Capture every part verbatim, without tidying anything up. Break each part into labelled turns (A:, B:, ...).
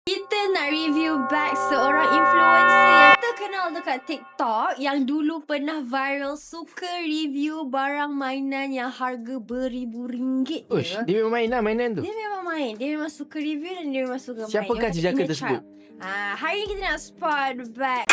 A: Kita nak review bag seorang influencer yang terkenal dekat TikTok yang dulu pernah viral suka review barang mainan yang harga beribu ringgit.
B: Ush, dia memang main lah mainan tu.
A: Dia memang main. Dia memang suka review dan dia memang suka
B: Siapakah
A: main.
B: jejaka tersebut?
A: Ah, hari ni kita nak spot bag.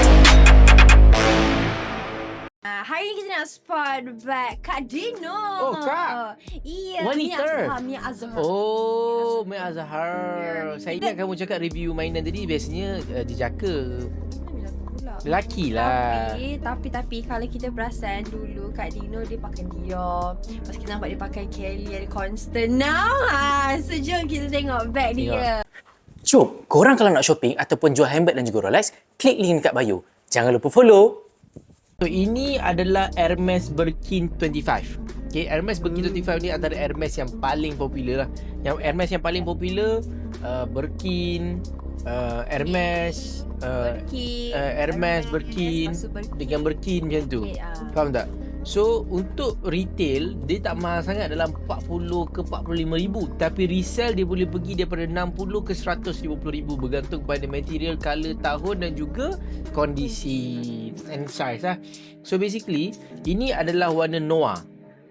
A: Ah, hari ni kita nak spot bag Kak Dino.
B: Oh, Kak.
A: Iya,
B: Wanita.
A: Mia Azhar. Mia Azhar.
B: Oh, Mia Azhar.
A: Yeah.
B: Saya ingat kamu cakap review mainan tadi biasanya uh, jejaka.
A: Pula.
B: Lelaki lah.
A: Tapi, tapi, tapi kalau kita perasan dulu Kak Dino dia pakai Dior. Lepas kita nampak dia pakai Kelly ada Constant. Now, ha, so jom kita tengok bag dia.
C: Jom, korang kalau nak shopping ataupun jual handbag dan juga Rolex, klik link dekat bio. Jangan lupa follow.
B: So, ini adalah Hermes Birkin dua puluh lima. Okay, Hermes Birkin dua puluh lima ni antara Hermes yang paling popular lah. Yang Hermes yang paling popular, uh, Birkin, uh, Hermes, uh,
A: Birkin,
B: uh, Hermes, Birkin,
A: lepas tu Birkin.
B: dengan Birkin macam tu.
A: Okay, ah.
B: Faham tak? So, untuk retail, dia tak mahal sangat dalam empat puluh ke empat puluh lima ribu. Tapi resell dia boleh pergi daripada enam puluh ke seratus lima puluh ribu. Bergantung pada material, colour, tahun dan juga kondisi and size lah. So, basically, ini adalah warna noir.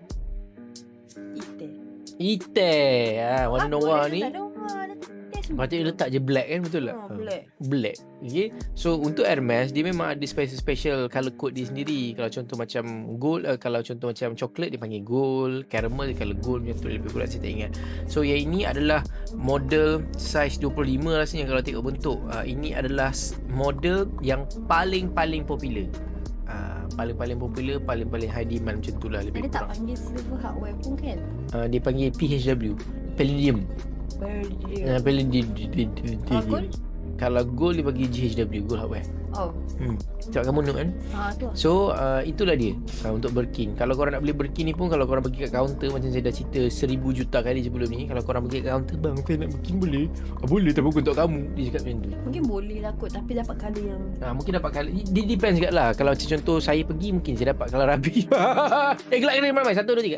A: Ite.
B: Ite. Ha, warna noir ni. Patutnya letak je black kan, betul tak?
A: Oh, black.
B: Black. Okay. So untuk Hermes dia memang ada special special color code dia sendiri. Kalau contoh macam gold, uh, kalau contoh macam coklat dia panggil gold, caramel dia color gold macam tu, lebih kurang saya tak ingat. So yang ini adalah model size dua puluh lima rasanya kalau tengok bentuk. Uh, ini adalah model yang paling-paling popular. Uh, paling-paling popular, paling-paling high demand macam tu lah lebih
A: Dia tak
B: kurang.
A: panggil silver hardware pun kan?
B: Uh, dia panggil P H W, Palladium. Uh, Palladium.
A: Kalau gold?
B: Kalau gold dia bagi G H W, gold hardware.
A: Oh.
B: Hmm. Sebab kamu note kan?
A: Ha tu.
B: So uh, itulah dia uh, untuk Birkin. Kalau korang nak beli Birkin ni pun, kalau korang pergi kat kaunter, macam saya dah cerita seribu juta kali sebelum ni, kalau korang pergi kat kaunter, bang saya nak Birkin boleh? Ah, boleh tapi bukan untuk kamu. Dia cakap macam tu.
A: Mungkin boleh lah kot, tapi dapat colour yang
B: uh, Mungkin dapat colour. Dia depends kat lah. Kalau macam contoh saya pergi, mungkin saya dapat colour rabi. Eh gelak kena ramai. Satu, dua, tiga.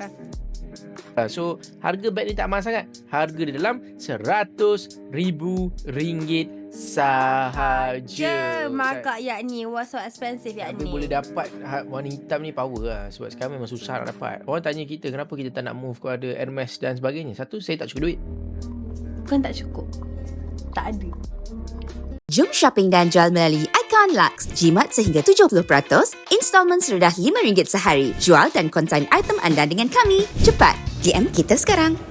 B: So harga beg ni tak mahal sangat. Harga dia dalam seratus ribu ringgit sahaja.
A: je markup yak ni. What's so expensive yak
B: Tapi
A: ni?
B: boleh dapat warna hitam ni power lah. Sebab sekarang memang susah nak dapat. Orang tanya kita kenapa kita tak nak move kepada Hermes dan sebagainya. Satu, saya tak cukup duit.
A: Bukan tak cukup, tak ada.
D: Jom shopping dan jual melalui Icon Lux. Jimat sehingga tujuh puluh peratus, installment serendah lima ringgit sehari. Jual dan konsign item anda dengan kami. Cepat, D M kita sekarang.